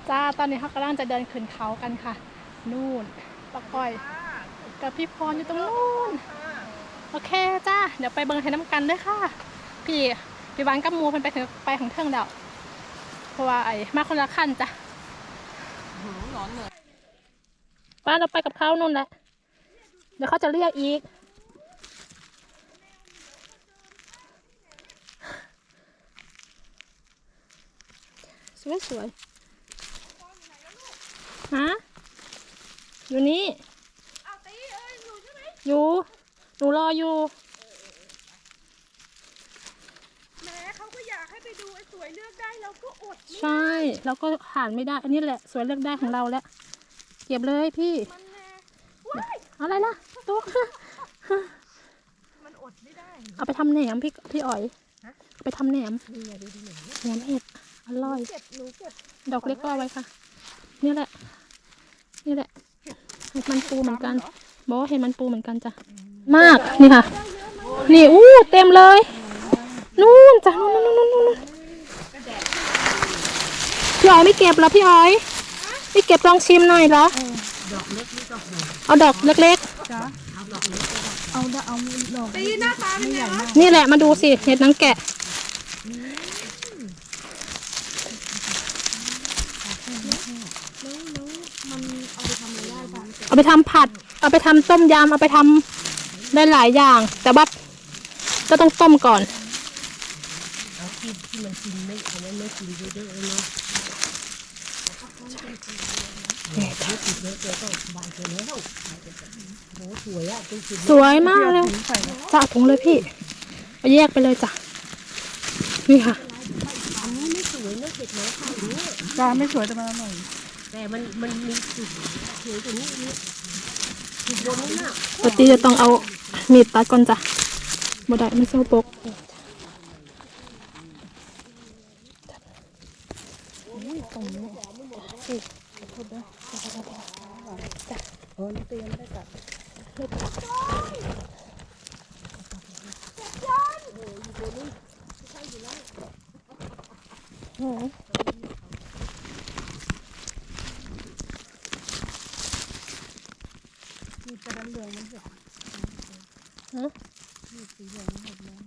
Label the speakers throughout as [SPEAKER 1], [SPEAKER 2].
[SPEAKER 1] จ้าตอนนี้เขากำลังจะเดินขึ้นเขากันค่ะนู่นปะก้อยกับพี่พรอยู่ตรงนู้นโอเคจ้าเดี๋ยวไปเบิ่งให้น้ำกันด้วยค่ะพี่วันกับมูเพิ่นไปของเทิงเดาเพราะว่าไอ้มาคนละขั้นจ้ะร้อนเลยป้าเราไปกับเขานู่นแหละเดี๋ยวเขาจะเรียกอีกสวยฮะอยู่นี่อยู่หนูรออยู่
[SPEAKER 2] แม้เขาก็อยากให้ไปดูไอ้สวยเลือกได้เราก็อด
[SPEAKER 1] ใช่เราก็ผ่านไม่ได้อันนี้แหละสวยเลือกได้ของเราแล้วเก็บเลยพี่อะไรล่ะตุ๊ก
[SPEAKER 2] มันอดไม่ได้
[SPEAKER 1] เอาไปทำแหนมพี่อ๋อยเอาไปทำแหนมแหนมเห็ดอร่อยดอกเล็กก็เอาไว้ค่ะนี่แหละเห็ดมันปูเหมือนกันบอกว่าเห็ดมันปูเหมือนกันจ้ะมากนี่ค่ะนี่เต็มเลยนู่นจ้ะนู่นพี่อ๋อยไม่เก็บเหรอพี่อ๋อยไม่เก็บลองชิมหน่อยเหรอเอาดอกเล็กๆเอาดอก
[SPEAKER 2] ตีหน้าตาเป็นไงวะ
[SPEAKER 1] นี่แหละมาดูสิเห็ดนางแกะเอาไปทำผัดเอาไปทำต้มยำเอาไปทำได้หลายอย่างแต่ว่าก็ต้องต้มก่อน
[SPEAKER 2] เอาที่มันกินไม่เอาไม่กินเยอะๆเนาะ
[SPEAKER 1] สวยมากเลยจะถุงเลยพี่เอาแยกไปเลยจ้ะนี่ค่ะ
[SPEAKER 2] อันนี้ไม่สวยนะเห็ดน้อยค่ะ
[SPEAKER 3] จ้าไม่สวยแต่มันอร่อย
[SPEAKER 2] แต่มันมีจุดสวยกว่านี้จุดบนนู้นน่ะ
[SPEAKER 1] ปกติจะต้องเอามีดตัดก่อนจ้ะบ่ได้ไม่โซ่ปก
[SPEAKER 2] เตรียมได้กับ
[SPEAKER 3] มีแต่เหลืองมันเห็ดสีเหลืองมันเห็ดแล้ว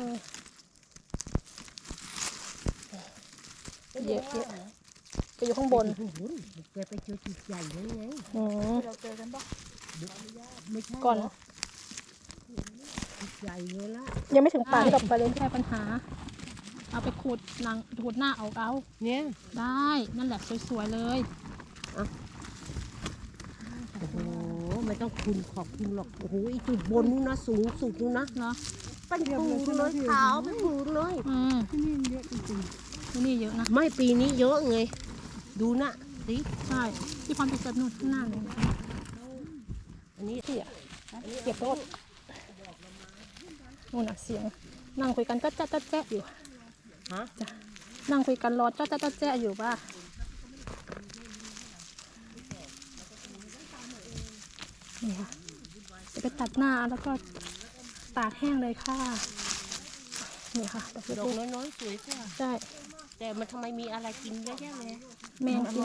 [SPEAKER 1] เยอะไปอยู่ข้างบน
[SPEAKER 2] แกไปเจอจุดใหญ่เลยไง
[SPEAKER 3] เราเจอกันปะ
[SPEAKER 2] ไม่ใช่
[SPEAKER 1] ก่อน
[SPEAKER 2] จุดใหญ่เลยละ
[SPEAKER 1] ยังไม่ถึงป่าที่เราไปเลยแค่ปัญหาเอาไปขูดหน้าเอา
[SPEAKER 2] เนี่ย
[SPEAKER 1] ได้นั่นแหละสวยๆเลย
[SPEAKER 2] โอ้โหไม่ต้องขอบคุณหรอกโอ้โหอีจุดบนนู้นนะสูงสุดนู้นนะ
[SPEAKER 1] เนาะ
[SPEAKER 2] เป็นปูเลยขาวเป็นปูเลย
[SPEAKER 3] ที่นี่เยอะจริง
[SPEAKER 1] ๆที่นี่เยอะนะ
[SPEAKER 2] ไม่ปีนี้เยอะไงดูนะสิ
[SPEAKER 1] ใช่ที่พรไปเกิดนู่นข้างหน้าเลย
[SPEAKER 2] อันนี้
[SPEAKER 1] เก็บรถนู่นน่ะเสียงนั่งคุยกันก็แจ๊ะอยู่จ้ะนั่งคุยกันรอแจ๊ะอยู่ป่ะนี่ค่ะจะไปตัดหน้าแล้วก็ตากแห้งเลยค่ะนี่ค่ะ
[SPEAKER 2] ดอกน้อยๆสวยจ้ะ
[SPEAKER 1] ใช่
[SPEAKER 2] แต่มันทำไมมีอะไรกินเยอะแยะเลย
[SPEAKER 1] แมงกิน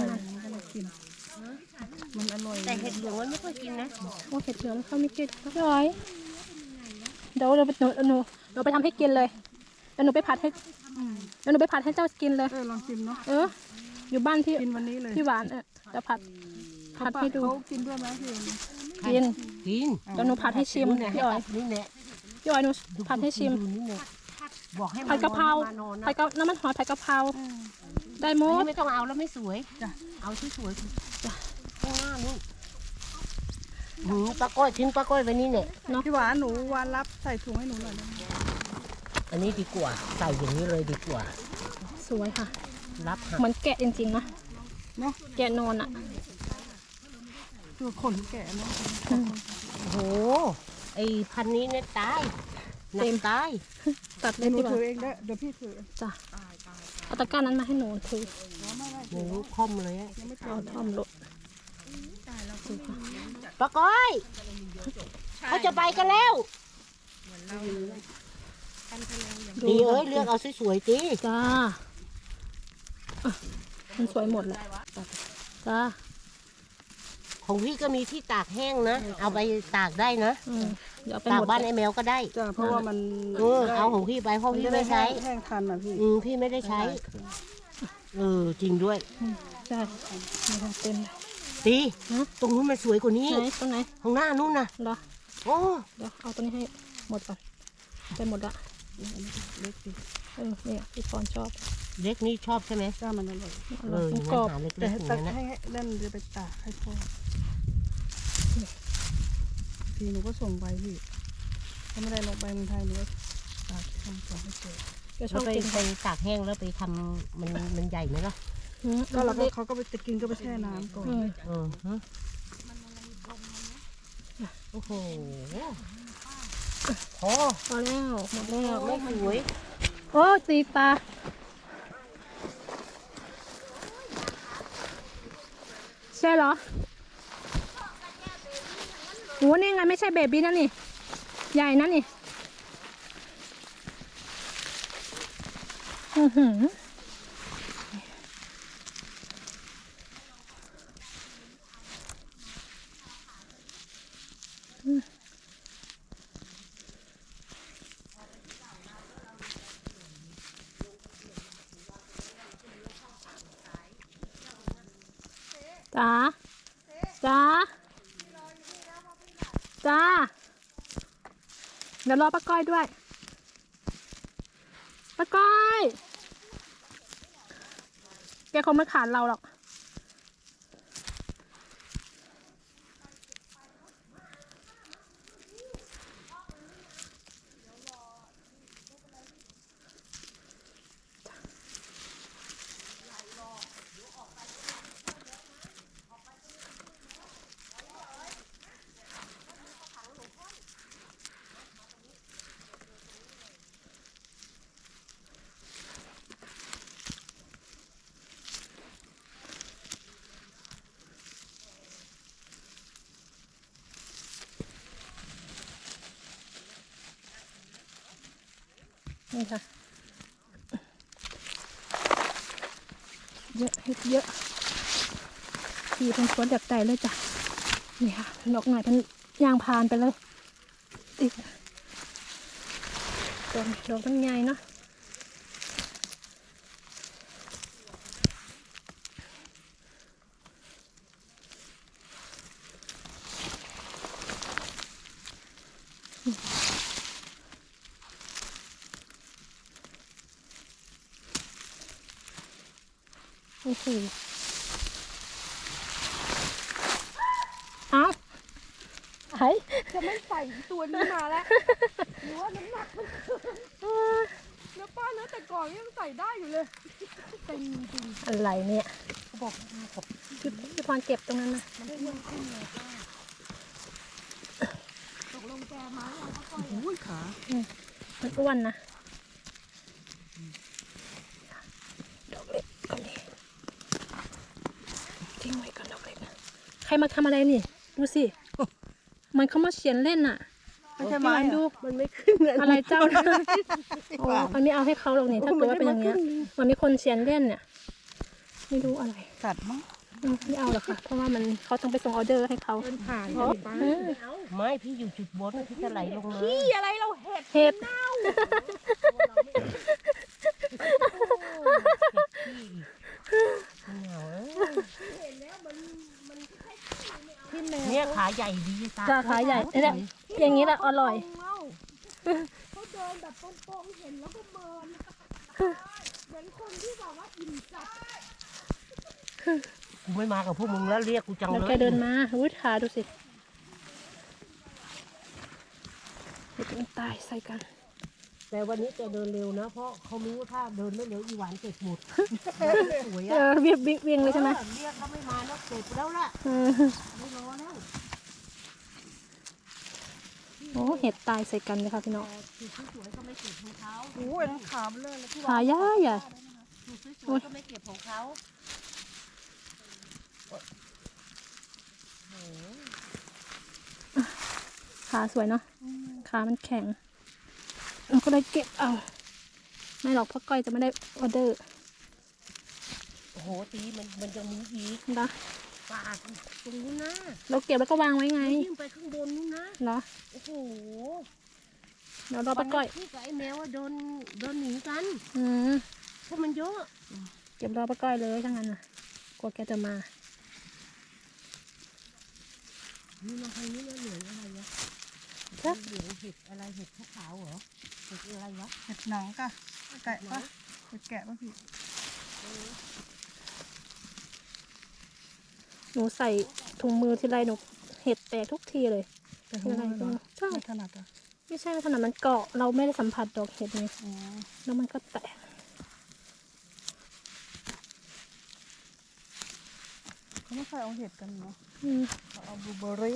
[SPEAKER 3] มันอร่อย
[SPEAKER 2] แต่เห็ดเหลืองมันไม่ค่อยกินนะ
[SPEAKER 1] โอ้เห็ดเหลืองเขาไม่กินร้อยเดี๋ยวเราไปทำให้กินเลยเดี๋ยวหนูไปผัดให้เจ้ากินเลย
[SPEAKER 3] ลองชิมเนาะ
[SPEAKER 1] อยู่บ้านที่
[SPEAKER 3] กินวันนี้เลย
[SPEAKER 1] พี่หวานจะผัดให้ดู
[SPEAKER 3] เขากินด้วยไหมพี่
[SPEAKER 1] กิน
[SPEAKER 2] เ
[SPEAKER 1] ดี๋ยวหนูผัดให้ชิมพี่อ๋อยพี่อ๋อยหนูผัดให้ชิม
[SPEAKER 2] บอกให้
[SPEAKER 1] ผัดกะเพราน้ำมันหอยผัดกะเพราได้หมด
[SPEAKER 2] ไม่ต้องเอาแล้วไม่สวยเอาที่สวยจ้ะข้างหน้านู่นปลาก้อยทิ้งปลาก้อยไว้นี่เนี่ย
[SPEAKER 3] พี่หวานหนูวานรับใส่ถุงให้หนูหน่อยนะ
[SPEAKER 2] อันนี้ดีกว่าใส่อย่างนี้เลยดีกว่า
[SPEAKER 1] สวยค่ะ
[SPEAKER 2] รับ
[SPEAKER 1] เหมือนแกะจริงๆนะแกะนอนอ่ะ
[SPEAKER 3] คือขนแกะเนาะ
[SPEAKER 2] โอ้โหไอพันนี้เนี่ยตายเต็มตาย
[SPEAKER 1] ตัดเลย
[SPEAKER 3] หนูถือเองได้เดี๋ยวพี่ถือ
[SPEAKER 1] จ้ะเอาตะกร้านั้นมาให้หนูถือ
[SPEAKER 2] หนูค่อมเลย
[SPEAKER 1] เอาท่อมรถ
[SPEAKER 2] ปลาก้อยเขาจะไปกันแล้วดีเลือกเอาสวยๆจี
[SPEAKER 1] จ้ามันสวยหมดแหละจ้า
[SPEAKER 2] ของพี่ก็มีที่ตากแห้งนะ เอาไปตากได้นะ
[SPEAKER 1] เดี๋ยวไป
[SPEAKER 2] ตาก
[SPEAKER 1] หมด
[SPEAKER 2] บ้านไอ้แมวก็ได้
[SPEAKER 3] จ้ะเพราะว่ามัน
[SPEAKER 2] เอาของพี่ไปเพราะ
[SPEAKER 3] มัน
[SPEAKER 2] พี่
[SPEAKER 3] จะได้
[SPEAKER 2] ไม่ใช้
[SPEAKER 3] แห้งทันอ่ะพี่
[SPEAKER 2] พี่ไม่ได้ใช้ จริงด้วย
[SPEAKER 1] ใช่มีทั้งเต็มเลย
[SPEAKER 2] ตี
[SPEAKER 1] ฮะ
[SPEAKER 2] ตรงนู้นมันสวยกว่านี้
[SPEAKER 1] ไหนตรงไหน
[SPEAKER 2] ข้างหน้านู้นนะ
[SPEAKER 1] เหรอ
[SPEAKER 2] โอ้
[SPEAKER 1] เดี๋ยวเอาตัวนี้ให้หมดก่อนไปหมดละ
[SPEAKER 3] เล็กดิ
[SPEAKER 1] เนี่ยพี่พรชอบ
[SPEAKER 2] เล็กนี่ชอบใช่ไหม
[SPEAKER 3] จ้ามันอร่อย
[SPEAKER 1] มัน
[SPEAKER 2] งั้
[SPEAKER 1] กรอบ
[SPEAKER 2] นหาเล็ก
[SPEAKER 3] แต่
[SPEAKER 2] ๆอย่าง
[SPEAKER 3] ตัก
[SPEAKER 2] นั้นนะ
[SPEAKER 3] ให้เล่นจะไปตากให้พ่อพี่หนูก็ส่งไปพี่ถ้าไม่ได้ลงไปเมืองไทยหนูก็ตากส่งให้เจอ
[SPEAKER 1] ก็ช
[SPEAKER 2] แล้
[SPEAKER 1] อ
[SPEAKER 2] ว
[SPEAKER 1] บ
[SPEAKER 2] ไป
[SPEAKER 1] กิน
[SPEAKER 2] ไปตากแห้งแล้วไปทำมันใหญ่ไหมล่ะ
[SPEAKER 3] ก็เราก็เขาก็ไปจะกินก็ไปแช่น้ำก่อน
[SPEAKER 2] ฮะโอ้โหพอ
[SPEAKER 1] พอแล้วหมดแล้ว
[SPEAKER 2] ไม่สวย
[SPEAKER 1] โอ้ตีปลาใช่เหรอโหนี่ไงไม่ใช่เบบี้นั่นนี่ใหญ่นั่นนี่อือหือจ้าจ้าจ้าเดี๋ยวรอป้าก้อยด้วยป้าก้อยแกคงไม่ขาดเราหรอกนี่ค่ะเยอะเห็ดเยอะพี่เป็นสวนจากใจเลยจ้ะนี่ค่ะนกหน่อยเป็นยางพานไปเลยอีกดอกมันใหญ่เนาะโอ้โหเอาไอ้
[SPEAKER 3] จะไม่ใส่ตัวนี้มาแล้วหรือว่าน้ำหนักมันเนื้อป้าเนื้อแต่ก่อนยังใส่ได้อยู่เลยเต็มจริง
[SPEAKER 1] อะไรเนี่ย
[SPEAKER 3] บอก
[SPEAKER 1] พี่พรเก็บตรงนั้นนะ
[SPEAKER 3] ตกลงแกมาแล้วก็โอ้ยขา
[SPEAKER 1] มันอ้วนนะดอกเล็กก่อนดิทิ้งไว้ก่อนดอกเล็กนะใครมาทำอะไรนี่ ดูสิ มันเขามาเขียนเล่นน่ะ
[SPEAKER 3] ไม่ใช่ไม้
[SPEAKER 1] พี่วันดู
[SPEAKER 2] มันไม่ขึ้นเลย
[SPEAKER 1] อะไรเจ้านะโอ้อันนี้เอาให้เขาหรอกนี่ถ้าเกิดว่าเป็นอย่างเงี้ยมันมีคนเขียนเล่นเนี่ย ไม่รู้อะไร
[SPEAKER 3] กัดมั้ง
[SPEAKER 1] ไม่เอาหรอกค่ะ เพราะว่ามันเขาต้องไปส่งออเดอร์ให้เขา
[SPEAKER 3] ผ่าน
[SPEAKER 2] ไม่พี่อยู่จุดบนพี่จะไหลลงมา
[SPEAKER 3] อะไรเราเห็ด
[SPEAKER 1] เห็บ
[SPEAKER 2] เนี่ยขาใหญ่ดีตา
[SPEAKER 1] จ้าขาใหญ่เนี่ยอย่างนี้แหละอร่อย
[SPEAKER 3] เขาเดินแบบตรงๆเห็นแล้วก็เมินเหมือนคนที่แบบว่าอิ่มจัด
[SPEAKER 2] กูไม่มากับพวกมึงแล้วเรียกกูจัง
[SPEAKER 1] แล้ว
[SPEAKER 2] เลย
[SPEAKER 1] แกเดินมาอุ้ยขาดูสิเห็ดมันตายใส่กัน
[SPEAKER 2] แต่วันนี้แกเดินเร็วนะ เพราะเขารู้ว่าถ้าเดินไม่เร็วอีหวานเก็บหมดสวย
[SPEAKER 1] เอ
[SPEAKER 2] อ่ะ
[SPEAKER 1] อเวียงเลยใช่ไหม
[SPEAKER 2] เรียกเขาไม่มาแล้วเก็บแล้วล่ะ
[SPEAKER 1] เออ
[SPEAKER 2] ไม่รอแล้ว
[SPEAKER 1] โอ้เห็ดตายใส่กันเลยค่ะพี่น้อง
[SPEAKER 2] คือสวยๆก็ไม่เก็บของเขา
[SPEAKER 3] โอ้ยทั้งขาเบลอเลยพี่
[SPEAKER 1] ขาย่าใหญ่
[SPEAKER 2] คือสวยๆก็ไม่เก็บของเขา
[SPEAKER 1] ขาสวยเนาะขามันแข็งเราก็เลยเก็บเอาไม่หรอกเพราะก้อยจะไม่ได้ออเดอร์
[SPEAKER 2] โอ้โหตีมันยังมีอีก
[SPEAKER 1] เหรอ
[SPEAKER 2] ป่าตรงนู้นนะ
[SPEAKER 1] เราเก็บแล้วก็วางไว้ไง
[SPEAKER 2] ยิ่งไปข้างบนนู้นนะ
[SPEAKER 1] เหรอ
[SPEAKER 2] โอ้โห
[SPEAKER 1] เดี๋ยวเราไปก้อย
[SPEAKER 2] พี่กับไอ้แมวโดนหนีกัน
[SPEAKER 1] อืม
[SPEAKER 2] เพราะมันเยอะ
[SPEAKER 1] เก็บรอไปก้อยเลยทั้งนั้นน่ะกลัวแกจะมา
[SPEAKER 2] นี่มาทางนี้แล้วเหลืองอะไรวะ
[SPEAKER 1] ครับ
[SPEAKER 2] เหลืองเห็ดอะไรเห็ดขาวๆเหรอเห็ดอะไรวะ
[SPEAKER 3] เห็ดหนังกะแกะปะเห็ดแกะปะพี่
[SPEAKER 1] หนูใส่ถุงมือทีไรหนูเห็ดแตกทุกทีเลย
[SPEAKER 3] แต่
[SPEAKER 1] ทีไรก็ใช่
[SPEAKER 3] ไม่ถนัดอ่ะ
[SPEAKER 1] ไม่ใช่ขนาดมันเกาะเราไม่ได้สัมผัสดอกเห็ดไง
[SPEAKER 3] อ๋อ
[SPEAKER 1] แล้วมันก็แตก
[SPEAKER 3] เขาไม่ค่อยเอาเห็ดกันเนาะ
[SPEAKER 1] อืม
[SPEAKER 3] เขาเอาบลูเบอร์รี่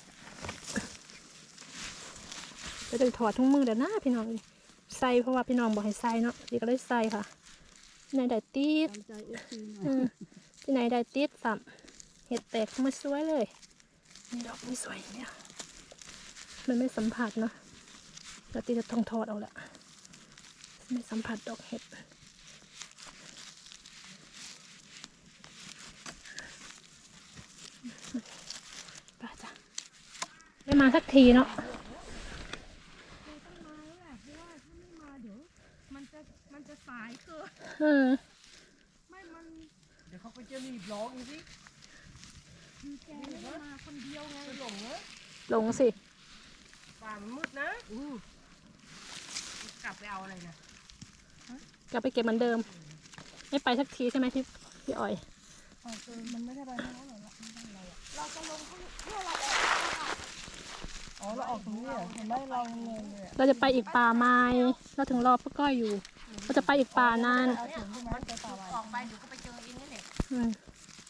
[SPEAKER 1] ก็จะถอดถุงมือเดี๋ยวนะพี่น้องใส่เพราะว่าพี่น้องบอกให้ใส่เนาะดีก็เลยใส่ค่ะที่ไหนได้ติด
[SPEAKER 3] ตามใจเอฟซีหน่อย
[SPEAKER 1] อืมที่ไหนได้ติดสัมเห็ดแตกมาสวยเลยนี่ดอกนี่สวยเนี่ยมันไม่สัมผัสเนาะแล้วตีจะต้องถอดเอาละไม่สัมผัสดอกเห็ดไปจ้ะไม่มาสักทีเนาะ
[SPEAKER 3] มันจะสายเกิน
[SPEAKER 1] เออ
[SPEAKER 3] ไม่มัน
[SPEAKER 2] เดี๋ยวเขาไปเจอรีบร้องอีกสิ
[SPEAKER 3] แกไม่มาคนเดียวไง
[SPEAKER 2] หลงเนอะ
[SPEAKER 1] ลงสิ
[SPEAKER 2] ป่ามันมืดนะกลับไปเอาอะไรนะ
[SPEAKER 1] กลับไปเก็บเหมือนเดิม ไม่ไปสักทีใช่ไหมพี่อ้อย
[SPEAKER 3] อ๋อมันไม่ได้ไปทางนั้นหรอกไม่ได้อะไรอ่ะ
[SPEAKER 2] เราจะลงเพื่อเรา
[SPEAKER 3] อ๋อเราออกตรงนี้เหรอเห็นไหมเรางงเลยอะ
[SPEAKER 1] เราจะไปอีกป่าไม้เราถึงรอพ่อก้อยอยู่ เราจะไปอีกป่านาน
[SPEAKER 3] เอาถึงใช่ไหมไปป่าไว้
[SPEAKER 2] ออกไปเดี๋ยวก็ไปเจอเองนี่แหละ
[SPEAKER 1] อืม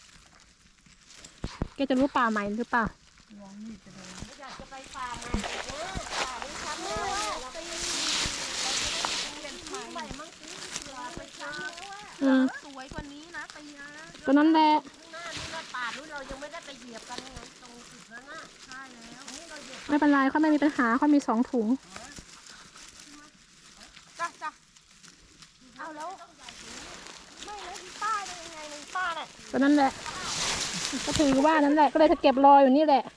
[SPEAKER 1] แกจะรู้ป่าใหม่หรือเปล่า
[SPEAKER 3] ลองมีดจะโดน
[SPEAKER 2] อยากจะไปป่ามาอีกนะป่านี้ทำแล้วเราไปเป็นที่ใหม่มั้งสิเราไปเจอแล้วว่า
[SPEAKER 1] อืม
[SPEAKER 2] สวยกว่านี้นะปีนะ
[SPEAKER 1] ก็นั่นแหละ
[SPEAKER 2] ข้างหน้านี่นะป่านู้นเรายังไม่ได้ไปเหยียบกันไงตรงจุดนั้นน่ะใช่แล้วนี่เราเหยียบ
[SPEAKER 1] ไม่เป็นไรเขาไม่มีปัญหาเขามี2 ถุง
[SPEAKER 3] จ้ะจ้ะ
[SPEAKER 2] เอาแล้วไม่แล้วที่ป้าได้ยังไงในป้าน่ะ
[SPEAKER 1] ก็นั่นแหละ ก็ถือว่านั่นแหละ ก็เลยจะเก็บรออยู่นี่แหละ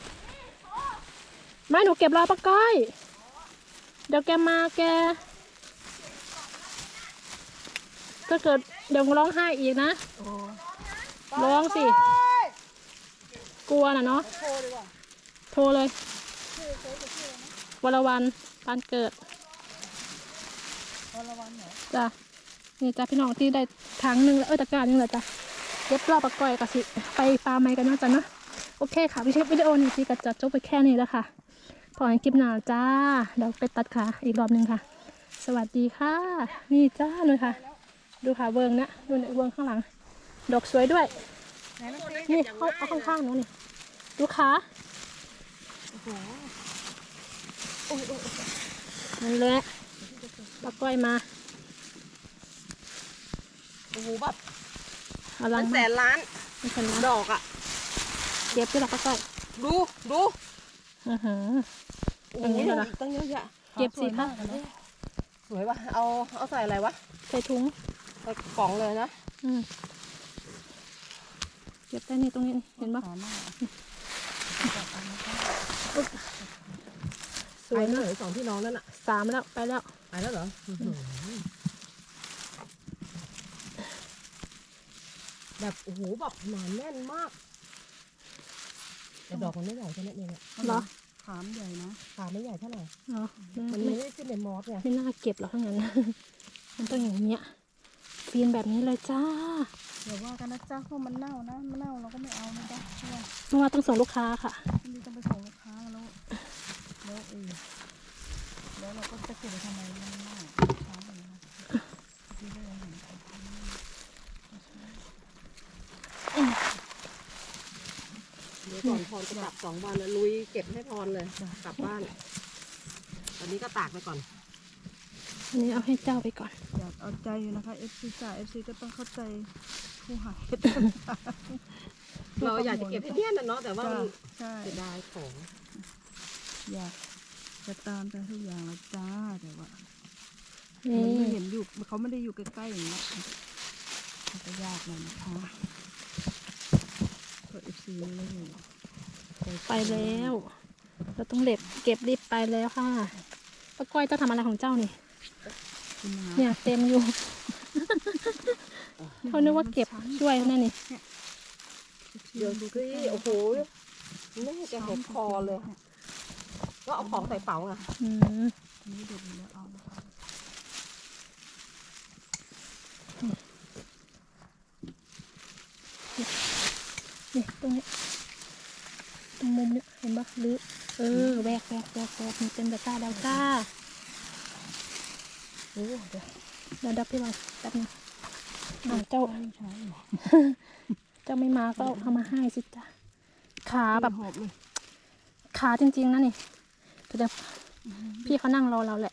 [SPEAKER 1] ไม่หนูเก็บรอป้าก้อย เดี๋ยวแกมาแกถ้าเกิดเดี๋ยวร้องไห้อีกนะ
[SPEAKER 3] โอ้
[SPEAKER 1] ร้องสิ กลัวน่ะเนาะ
[SPEAKER 3] โทรดีกว่า
[SPEAKER 1] โทรเลย วรวันปานเกิด
[SPEAKER 3] วันละวันเหรอ
[SPEAKER 1] จ้ะนี่จ้ะพี่น้องที่ได้ถังหนึ่งแล้วตะกร้าหนึงแล้วจ้ะเย็บรอบปะก้อยกับสิไปปลาไม้กันเนาะจ้ะเนาะโอเคค่ะวิดีโอนี้ที่ก็จะจบไปแค่นี้แล้วค่ะพอกันคลิปหน้าจ้าเดี๋ยวไปตัดขาอีกรอบหนึ่งค่ะ สวัสดีค่ะ นี่จ้าเลยค่ะ ดูค่ะเวิร์งนะดูในเวิร์งข้างหลัง ดอกสวยด้วย
[SPEAKER 3] ไหนมันสิ
[SPEAKER 1] นี่เอาข้างๆหนูนี่ดูขา
[SPEAKER 3] โอ้โห
[SPEAKER 1] นั่นแหละปะก้อยมา
[SPEAKER 2] โอ้โหแบบ
[SPEAKER 1] เอาลัง
[SPEAKER 2] แส
[SPEAKER 1] มาน
[SPEAKER 2] ล้าน
[SPEAKER 1] ไม่เป็นไร
[SPEAKER 2] ดอกอ่ะ
[SPEAKER 1] เก็บที่หลักปะก้อย
[SPEAKER 2] ดู
[SPEAKER 1] อือหือ
[SPEAKER 2] โอ้
[SPEAKER 1] อัน
[SPEAKER 2] โห
[SPEAKER 1] นี้เหรอ
[SPEAKER 2] ตั้งเยอะแยะ
[SPEAKER 1] เก็บสิคะ
[SPEAKER 2] สวยว่ะเอาใส่อะไรวะ
[SPEAKER 1] ใส่ถุง
[SPEAKER 2] ใส่กล่องเลยนะ
[SPEAKER 1] อืมเก็บได้นี่ตรงนี้นี่เห็นปะ
[SPEAKER 3] ขอหน้า
[SPEAKER 1] สวย
[SPEAKER 2] เล
[SPEAKER 1] เนอะ
[SPEAKER 2] ย2พี่น้องนั่นอ่ะ
[SPEAKER 1] 3แล้วไปแล้ว
[SPEAKER 2] ไปแล้วเหรอแบบโอ้โหแบบหนาแน่นมากแต่ดอกมันไม่ใหญ่แค่นั้นเองอะ
[SPEAKER 1] เหรอ
[SPEAKER 3] ขามใหญ่นะ
[SPEAKER 2] ขาไม่ใหญ่เท่าไหร่
[SPEAKER 1] เหรอ
[SPEAKER 2] มัน
[SPEAKER 1] ไม่
[SPEAKER 2] ไม่ได้ขึ้นในมอสไง
[SPEAKER 1] ไม่น่าเก็บหรอกทั้งนั้น มันต้องอย่างเนี้ยฟีนแบบนี้เลยจ้า
[SPEAKER 3] เดี๋ยวว่ากันนะจ๊ะเพราะมันเน่านะมันเน่าเราก็ไม่เอานะจ๊ะเพราะว่า
[SPEAKER 1] เมื่อวานต้องส่งลูกค้าค่ะ
[SPEAKER 3] มันต้องไปส่งลูกค้าแล้วแล้วเราก็จะเก็บไปทำไมมันเน่าช้าไปนะคะที่ได้เห็น
[SPEAKER 2] เดี๋ยวก่อนพรจะกลับ2 วันนะลุยเก็บให้พรเลยกลับบ้านตอนนี้ก็ตากไปก่อน
[SPEAKER 1] อันนี้เอาให้เจ้าไปก่อน
[SPEAKER 3] อยากเอาใจอยู่นะคะ FC จ่า FC ก็ต้องเข้าใจผู้หาเห็ด
[SPEAKER 2] เราอยากจะเก็บให้เนียนนะเนาะแต่ว่ามัน
[SPEAKER 3] ใช่
[SPEAKER 2] เสียดายของ
[SPEAKER 3] อยากจะตามใจทุกอย่างแล้วจ้าแต่ว่า
[SPEAKER 1] นี่
[SPEAKER 3] มันไม่เห็นอยู่เขาไม่ได้อยู่ใกล้ๆอย่างนี้ยมันก็ยากหน่อยนะคะเปิด FC ไม่ได้อยู่
[SPEAKER 1] ไปแล้ว เราต้องเก็บรีบไปแล้วค่ะป้าก้อยเจ้าทำอะไรของเจ้านี่
[SPEAKER 3] กินน้ำ
[SPEAKER 1] เนี่ยเต็มอยู่ เขานึกว่าเก็บช่วยนั่นนี่
[SPEAKER 2] เดี๋ยวดูสิโอ้โหแม่จะเห็นคอเลย ก็เอาของใส่เป๋าไง
[SPEAKER 1] อืม
[SPEAKER 3] นี่เด็ดอยู่แล้วเอานะคะ
[SPEAKER 1] นี่ตรงนี้ตรงมุมนี้เห็นปะหรือแวกมันเต็มตะกร้าแล้วจ้าโอ้เดี๋ยวดับพี่บอลแป๊บนึงเจ้า
[SPEAKER 3] ไม่ใช่หรอ
[SPEAKER 1] เจ้าไม่มาก็เอามาให้สิจ้าขาแบบ
[SPEAKER 3] หอบเลย
[SPEAKER 1] ขาจริงๆนะนี่แต่พี่เขานั่งรอเราแหละ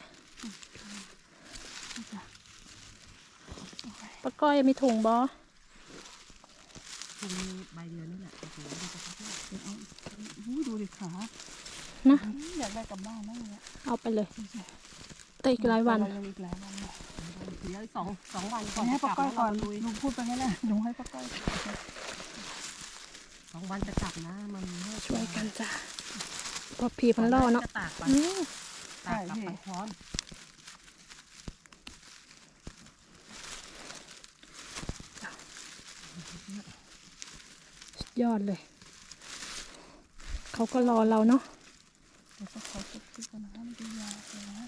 [SPEAKER 1] ป้าก้อยมีถุงบอ
[SPEAKER 2] คงมีใบเดียวนี่แหละโอ้โหดูสิครับ
[SPEAKER 3] เดี๋ยวเอาดูดิขา
[SPEAKER 1] นะ
[SPEAKER 3] อยากได้กลับบ้านนั่นเลย
[SPEAKER 1] เอาไปเลยแต่อีกหลายวัน
[SPEAKER 3] ยังอีกหลายวันเลย
[SPEAKER 2] เดี๋ยวสองวันก่อน
[SPEAKER 3] ให้
[SPEAKER 2] จะก
[SPEAKER 3] ป้า
[SPEAKER 2] ลับ
[SPEAKER 3] ก้อยก่อน
[SPEAKER 2] นะลุย
[SPEAKER 3] ลุงพูดไปงั้นแหละลุงให้ป้าก้อย
[SPEAKER 2] 2 วันจะกลับนะมันไม่
[SPEAKER 1] ช่วยกันจ้าพอพีมันล่อเนาะ
[SPEAKER 2] จะตากไป
[SPEAKER 1] อืม
[SPEAKER 2] ตากกับปันช้อน
[SPEAKER 1] สุดยอดเลย เขาก็รอเราเนาะ
[SPEAKER 3] เดี๋ยวก็ขอเก็บที่กันนะมันจะยาวเลยนะ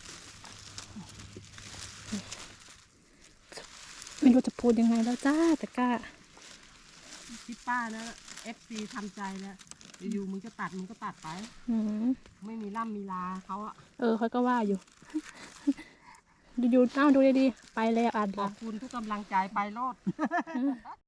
[SPEAKER 1] ไม่รู้จะพูดยังไงแล้วจ้าแต่กล้า
[SPEAKER 2] ที่ป้านะ FC ทำใจแล้วอยู่ๆมึงจะตัดมึงก็ตัดไป
[SPEAKER 1] อืม
[SPEAKER 2] ไม่มีล่ำมีลาเขาอะ
[SPEAKER 1] เขาก็ว่าอยู่ ดูๆดูดีๆไปแล้วอ่าน
[SPEAKER 2] ขอบคุณทุกกำลังใจไปโลด